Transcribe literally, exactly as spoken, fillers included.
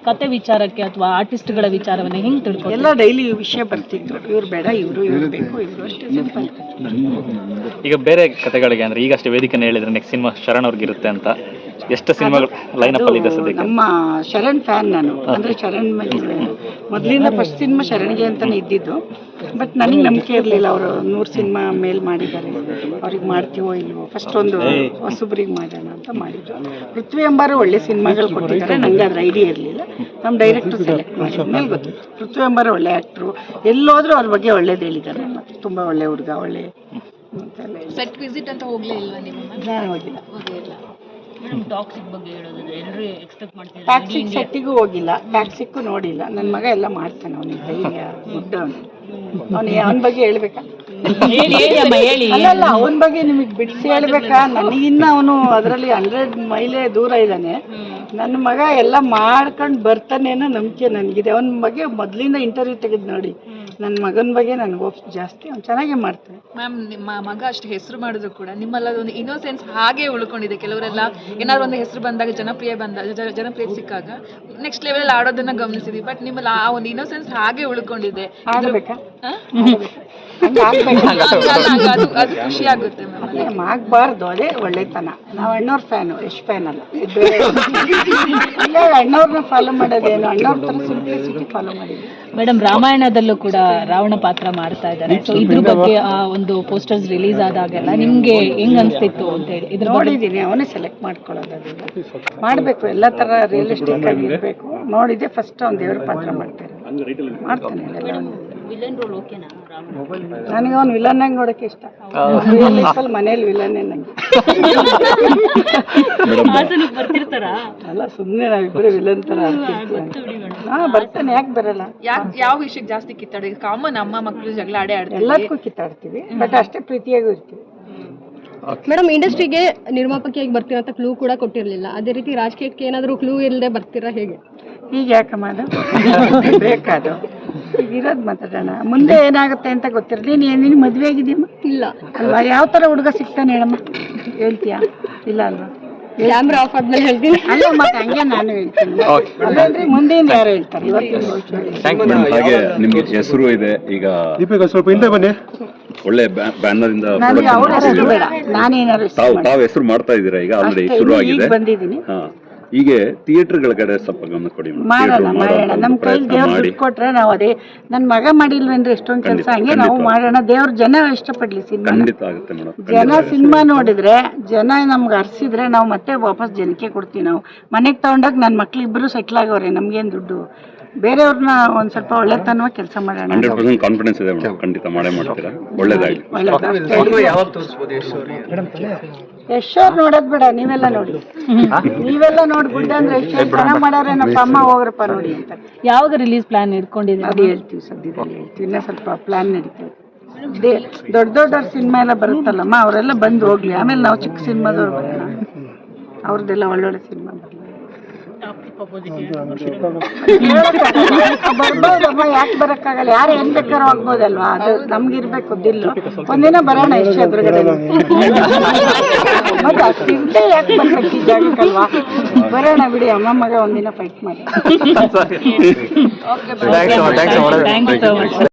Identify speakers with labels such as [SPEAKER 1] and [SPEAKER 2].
[SPEAKER 1] ಕತೆ ವಿಚಾರಕ್ಕೆ ಅಥವಾ ಆರ್ಟಿಸ್ಟ್ಗಳ ವಿಚಾರವನ್ನ ಹೆಂಗ್ ತಿಳ್ಕೊ?
[SPEAKER 2] ಎಲ್ಲ ಡೈಲಿ ವಿಷಯ ಬರ್ತಿದ್ರು, ಇವ್ರು ಬೇಡ ಇವರು ಇವ್ರು ಬೇಕು ಇವರು ಅಷ್ಟೇ, ಸಿಂಪಲ್.
[SPEAKER 3] ಈಗ ಬೇರೆ ಕತೆಗಳಿಗೆ ಅಂದ್ರೆ ಈಗಷ್ಟೇ ವೇದಿಕೆನ ಹೇಳಿದ್ರೆ ನೆಕ್ಸ್ಟ್ ಸಿನಿಮಾ ಶರಣ್ ಅವ್ರಿಗಿರುತ್ತೆ ಅಂತ, ಎಷ್ಟು ಸಿನಿಮಾಗಳು ಲೈನ್ ಅಪ್ ಅಲ್ಲಿ ಇದೆ ಸದ್ಯಕ್ಕೆ?
[SPEAKER 2] ನಮ್ಮ ಶರಣ್ ಫ್ಯಾನ್ ನಾನು, ಅಂದ್ರೆ ಶರಣ್ ಮೊದಲಿಂದ ಫಸ್ಟ್ ಸಿನಿಮಾ ಶರಣ್ಗೆ ಅಂತಾನೆ ಇದ್ದಿದ್ದು. ಬಟ್ ನನಗೆ ನಂಬಿಕೆ ಇರಲಿಲ್ಲ, ಅವರು ನೂರು ಸಿನಿಮಾ ಮೇಲ್ ಮಾಡಿದ್ದಾರೆ, ಅವ್ರಿಗೆ ಮಾಡ್ತೀವೋ ಇಲ್ವೋ. ಫಸ್ಟ್ ಒಂದು ಹೊಸಬ್ರಿಗೆ ಮಾಡೋಣ ಅಂತ ಮಾಡಿದ್ರು. ಪೃಥ್ವಿ ಎಂಬಾರು ಒಳ್ಳೆ ಸಿನಿಮಾಗಳು ಕೊಟ್ಟಿದ್ದಾರೆ, ನಂಗೆ ಅದ್ರ ಐಡಿಯಾ ಇರಲಿಲ್ಲ. ನಮ್ಮ ಡೈರೆಕ್ಟರ್ ಸೆಲೆಕ್ಟ್ ಮಾಡಿದ ಮೇಲೆ ಗೊತ್ತು ಪೃಥ್ವಿ ಎಂಬಾರು ಒಳ್ಳೆ ಆ್ಯಕ್ಟ್ರು, ಎಲ್ಲೋದ್ರೂ ಅವ್ರ ಬಗ್ಗೆ ಒಳ್ಳೇದು ಹೇಳಿದ್ದಾರೆ. ಮತ್ತು ತುಂಬ ಒಳ್ಳೆ ಹುಡುಗ, ಒಳ್ಳೆ
[SPEAKER 4] ಸೆಟ್ ವಿಸಿಟ್ ಅಂತ ಹೋಗ್ಲೇ ಇಲ್ವಾ ನೀವು?
[SPEAKER 2] ನಾನು ಹೋಗಿಲ್ಲ.
[SPEAKER 1] ಟಾಕ್ಸಿಕ್ ಬಗ್ಗೆ ಹೇಳೋದಾದ್ರೆ ಎಲ್ಲರೂ ಎಕ್ಸ್ಪೆಕ್ಟ್ ಮಾಡ್ತಿದ್ದಾರೆ.
[SPEAKER 2] ಟ್ಯಾಕ್ಸಿಕ್ ಸೆಟ್ಟಿಗೂ ಹೋಗಿಲ್ಲ, ಟ್ಯಾಕ್ಸಿಕ್ಕೂ ನೋಡಿಲ್ಲ. ನನ್ನ ಮಗ ಎಲ್ಲ ಮಾಡ್ತಾನೆ, ಅವನಿಗೆ ಧೈರ್ಯ ಗುಡ್ಡ. ಅವನು ಅವನು ಅವನ ಬಗ್ಗೆ ಹೇಳ್ಬೇಕಾ? ಅಲ್ಲಲ್ಲ, ಅವನ ಬಗ್ಗೆ ನಿಮಗೆ ಬಿಡಿಸಿ ಹೇಳ್ಬೇಕಾ? ನನಗಿನ್ನ ಅವನು ಅದರಲ್ಲಿ ಹಂಡ್ರೆಡ್ ಮೈಲೇ ದೂರ ಇದ್ದಾನೆ. ನನ್ನ ಮಗ ಎಲ್ಲ ಮಾಡ್ಕೊಂಡು ಬರ್ತಾನೇನೋ ನಂಬಿಕೆ ನನಗಿದೆ. ಅವನ ಬಗ್ಗೆ ಮೊದಲಿಂದ ಇಂಟರ್ವ್ಯೂ ತೆಗೆದು ನೋಡಿ, ನನ್ನ ಮಗನ ಬಗ್ಗೆ ನನಗೆ ಹೋಪ್ಸ್ ಜಾಸ್ತಿ. ಅವ್ನು ಚೆನ್ನಾಗೇ ಮಾಡ್ತಾನೆ.
[SPEAKER 4] ಮ್ಯಾಮ್, ನಿಮ್ಮ ಮಗ ಅಷ್ಟು ಹೆಸರು ಮಾಡಿದ್ರು ಕೂಡ ನಿಮ್ಮಲ್ಲ ಒಂದು ಇನ್ನೋಸೆನ್ಸ್ ಹಾಗೆ ಉಳ್ಕೊಂಡಿದೆ. ಕೆಲವರೆಲ್ಲ ಏನಾದ್ರು ಒಂದು ಹೆಸರು ಬಂದಾಗ, ಜನಪ್ರಿಯ ಬಂದಾಗ, ಜನಪ್ರಿಯ ಸಿಕ್ಕಾಗ ನೆಕ್ಸ್ಟ್ ಲೆವೆಲ್ ಆಡೋದನ್ನ ಗಮನಿಸಿದ್ವಿ. ಬಟ್ ನಿಮ್ಮಲ್ಲಿ ಆ ಒಂದು ಇನ್ನೋಸೆನ್ಸ್ ಹಾಗೆ ಉಳ್ಕೊಂಡಿದೆ.
[SPEAKER 2] ಆಗಬೇಕಾ?
[SPEAKER 4] ಅದು ಖುಷಿ ಆಗುತ್ತೆ ಮ್ಯಾಮ್.
[SPEAKER 2] ಆಗಬಾರ್ದು, ಅದೇ ಒಳ್ಳೆತನ. ನಾವು ಅಣ್ಣವ್ರ ಫ್ಯಾನು, ಎಷ್ಟು ಫ್ಯಾನ್ ಅಲ್ಲ. ಇಲ್ಲ, ಅಣ್ಣವ್ರನ್ನ ಫಾಲೋ ಮಾಡೋದೇನು, ಅಣ್ಣವ್ರ ಥರ ಸಿಂಪ್ಲಿಸಿಟಿ ಫಾಲೋ ಮಾಡಿದ್ವಿ.
[SPEAKER 1] ಮೇಡಮ್, ರಾಮಾಯಣದಲ್ಲೂ ಕೂಡ ರಾವಣ ಪಾತ್ರ ಮಾಡ್ತಾ ಇದ್ದಾರೆ. ಸೊ ಇದ್ರ ಬಗ್ಗೆ ಆ ಒಂದು ಪೋಸ್ಟರ್ಸ್ ರಿಲೀಸ್ ಆದಾಗೆಲ್ಲ ನಿಮ್ಗೆ ಹೆಂಗ್ ಅನ್ಸ್ತಿತ್ತು ಅಂತ ಹೇಳಿ? ಇದ್ರ
[SPEAKER 2] ನೋಡಿದ್ದೀನಿ, ಅವನೇ ಸೆಲೆಕ್ಟ್ ಮಾಡ್ಕೊಳ್ಳೋದು. ಅದನ್ನ ಮಾಡಬೇಕು, ಎಲ್ಲ ಥರ ರಿಯಲಿಸ್ಟಿಕ್ ಆಗಿ ಇರಬೇಕು. ನೋಡಿದ್ದೆ ಫಸ್ಟ್ ಅವ್ನು ದೇವ್ರ ಪಾತ್ರ ಮಾಡ್ತಾರೆ, ಮಾಡ್ತಾನೆ.
[SPEAKER 1] ವಿಲನ್ ರೋಲ್ ಓಕೆನಾ?
[SPEAKER 2] ನನಗೆ ಅವ್ನು ವಿಲನ್ ಆಗಿ ನೋಡೋಕೆ ಇಷ್ಟ. ರಿಯಲ್ ಲೈಫಲ್ಲಿ ಮನೇಲಿ ವಿಲನ್ನೇ ನನಗೆ.
[SPEAKER 1] ಬರ್ತಿರ್ತಾರ
[SPEAKER 2] ಅಲ್ಲ, ಸುಮ್ಮನೆ ನಾವಿಬ್ಬರು ವಿಲನ್ ಥರ ಹಾಂ ಬರ್ತಾನೆ, ಯಾಕೆ ಬರಲ್ಲ?
[SPEAKER 4] ಯಾಕೆ ಯಾವ ವಿಷಯಕ್ಕೆ ಜಾಸ್ತಿ ಕಿತ್ತಾಡಿ? ಕಾಮನ್, ಅಮ್ಮ ಮಕ್ಕಳು ಜಗಳ ಆಡೇ ಆಡ್ತಾರೆ,
[SPEAKER 2] ಎಲ್ಲದಕ್ಕೂ ಕಿತ್ತಾಡ್ತೀವಿ, ಬಟ್ ಅಷ್ಟೇ ಪ್ರೀತಿಯಾಗೂ ಇರ್ತೀವಿ.
[SPEAKER 5] ಮೇಡಮ್, ಇಂಡಸ್ಟ್ರಿಗೆ ನಿರ್ಮಾಪಕಿಯಾಗಿ ಬರ್ತೀರಾ ಅಂತ ಕ್ಲೂ ಕೂಡ ಕೊಟ್ಟಿರಲಿಲ್ಲ. ಅದೇ ರೀತಿ ರಾಜಕೀಯಕ್ಕೆ ಏನಾದರೂ ಕ್ಲೂ ಇಲ್ಲದೆ ಬರ್ತೀರಾ ಹೇಗೆ?
[SPEAKER 2] ಈಗ ಯಾಕಮ್ಮ ಅದು ಬೇಕಾದು? ಈಗ ಇರೋದು ಮಾತಾಡೋಣ, ಮುಂದೆ ಏನಾಗುತ್ತೆ ಅಂತ ಗೊತ್ತಿರಲಿ. ನೀನು ನೀನು ಮದುವೆ ಆಗಿದ್ದೀಯಮ್ಮ?
[SPEAKER 5] ಇಲ್ಲ
[SPEAKER 2] ಅಲ್ವಾ? ಯಾವ ಥರ ಹುಡುಗ ಸಿಗ್ತಾನೆ ಹೇಳಮ್ಮ, ಹೇಳ್ತೀಯಾ? ಇಲ್ಲ ಅಲ್ವಾ?
[SPEAKER 5] ಕ್ಯಾಮ್ರಾ ಆಫ್ ಆದ್ಮೇಲೆ ಹೇಳ್ತೀನಿ.
[SPEAKER 2] ಅಲ್ಲ, ಮತ್ತೆ ಹಂಗೆ ನಾನು ಹೇಳ್ತೀನಿ. ಅಲ್ಲೇನ್ರಿ, ಮುಂದೆಯಿಂದ ಯಾರು ಹೇಳ್ತಾರೆ? ಇವತ್ತಿನ
[SPEAKER 6] ಹಾಗೆ ನಿಮ್ಗೆ ಹೆಸರು ಇದೆ ಈಗ, ಸ್ವಲ್ಪ ಹಿಂದೆ ಬನ್ನಿ. ಒಳ್ಳೆ ಬ್ಯಾನರ್ ಇಂದ
[SPEAKER 2] ನನಗೆ ಅವ್ರ ಹೆಸರು ಬೇಡ, ನಾನೇನಾದ್ರು
[SPEAKER 6] ತಾವು ತಾವು ಹೆಸರು ಮಾಡ್ತಾ ಇದ್ದೀರಾ ಈಗ, ಆಲ್ರೆಡಿ ಶುರು ಆಗಿದೆ.
[SPEAKER 2] ಬಂದಿದ್ದೀನಿ.
[SPEAKER 6] ಹಾ, ಹೀಗೆ ಥಿಯೇಟರ್ಗಳ ಕಡೆ ಸ್ವಲ್ಪ ಗಮನ ಕೊಡಿ.
[SPEAKER 2] ಮಾಡೋಣ ಮಾಡೋಣ, ನಮ್ಮ ಕೈಲಿ ದೇವ್ರು ದುಡ್ಡು ಕೊಟ್ರೆ ನಾವು ಅದೇ. ನನ್ನ ಮಗ ಮಾಡಿಲ್ವೇನ್ರಿ ಎಷ್ಟೊಂದು ಕೆಲಸ, ಹಂಗೆ ನಾವು ಮಾಡೋಣ. ದೇವ್ರ ಜನ ಇಷ್ಟಪಡ್ಲಿ ಸಿನಿಮಾ.
[SPEAKER 6] ಖಂಡಿತ ಆಗುತ್ತೆ ಮೇಡಮ್.
[SPEAKER 2] ಜನ ಸಿನಿಮಾ ನೋಡಿದ್ರೆ, ಜನ ನಮ್ಗೆ ಹರ್ಸಿದ್ರೆ ನಾವು ಮತ್ತೆ ವಾಪಸ್ ಜನಕ್ಕೆ ಕೊಡ್ತೀವಿ. ನಾವು ಮನೆಗೆ ತಗೊಂಡಾಗ ನನ್ನ ಮಕ್ಳಿಬ್ರು ಸೆಟ್ಲ್ ಆಗವ್ರೆ, ನಮ್ಗೇನು ದುಡ್ಡು. ಬೇರೆಯವ್ರನ್ನ ಒಂದ್ ಸ್ವಲ್ಪ ಒಳ್ಳೆತನ ಕೆಲಸ ಮಾಡೋಣ.
[SPEAKER 6] ಹಂಡ್ರೆಡ್ ಪರ್ಸೆಂಟ್ ಕಾನ್ಫಿಡೆನ್ಸ್ ಇದೆ ಮೇಡಮ್, ಖಂಡಿತ ಮಾಡೇ ಮಾಡ್ತೀರಾ. ಒಳ್ಳೇದಾಗಿ. ಯಶೋರ್ ನೋಡೋದ್ ಬೇಡ, ನೀವೆಲ್ಲ ನೋಡಿ. ನೀವೆಲ್ಲ ನೋಡಿ ಗುಡ್ಡ ಅಂದ್ರೆ ಯಶೋರ್ ಚೆನ್ನಾಗ್ ಮಾಡಾರೆ, ನಮ್ಮ ಅಮ್ಮ ಹೋಗ್ರಪ್ಪ ನೋಡಿ ಅಂತ.
[SPEAKER 1] ಯಾವಾಗ ರಿಲೀಸ್ ಪ್ಲಾನ್ ಇಟ್ಕೊಂಡಿದ್ದೀವಿ?
[SPEAKER 2] ಅದು ಹೇಳ್ತೀವಿ, ಸದ್ಯದಲ್ಲಿ ಹೇಳ್ತೀವಿ. ಇನ್ನ ಸ್ವಲ್ಪ ಪ್ಲಾನ್ ನಡೀತೀವಿ. ದೊಡ್ಡ ದೊಡ್ಡವ್ರ ಸಿನಿಮಾ ಎಲ್ಲ ಬರುತ್ತಲ್ಲಮ್ಮ, ಅವರೆಲ್ಲ ಬಂದು ಹೋಗ್ಲಿ, ಆಮೇಲೆ ನಾವು ಚಿಕ್ಕ ಸಿನಿಮಾದವ್ರು ಬರೋಣ. ಅವ್ರದ್ದೆಲ್ಲ ಒಳ್ಳೊಳ್ಳೆ ಸಿನಿಮಾ ಬರಲಿ. ಬರ್ಬೋದಮ್ಮ, ಯಾಕೆ ಬರಕ್ಕಾಗಲ್ಲ? ಯಾರು ಏನ್ ಬೇಕಾದ್ರೂ ಆಗ್ಬೋದಲ್ವಾ? ಅದು ನಮ್ಗಿರ್ಬೇಕು ದಿಲ್ಲು. ಒಂದಿನ ಬರೋಣ ಎಷ್ಟು ಎದುರುಗಡೆ. ಮತ್ತೆ ಅಷ್ಟಿಂಟೆ ಯಾಕೆ ಬರ್ಬೇಕು ಈ ಜಾಗಕ್ಕಲ್ವಾ? ಬರೋಣ ಬಿಡಿ, ಅಮ್ಮ ಮಗ ಒಂದಿನ ಫೈಟ್ ಮಾಡಿ.
[SPEAKER 1] Thank you so much.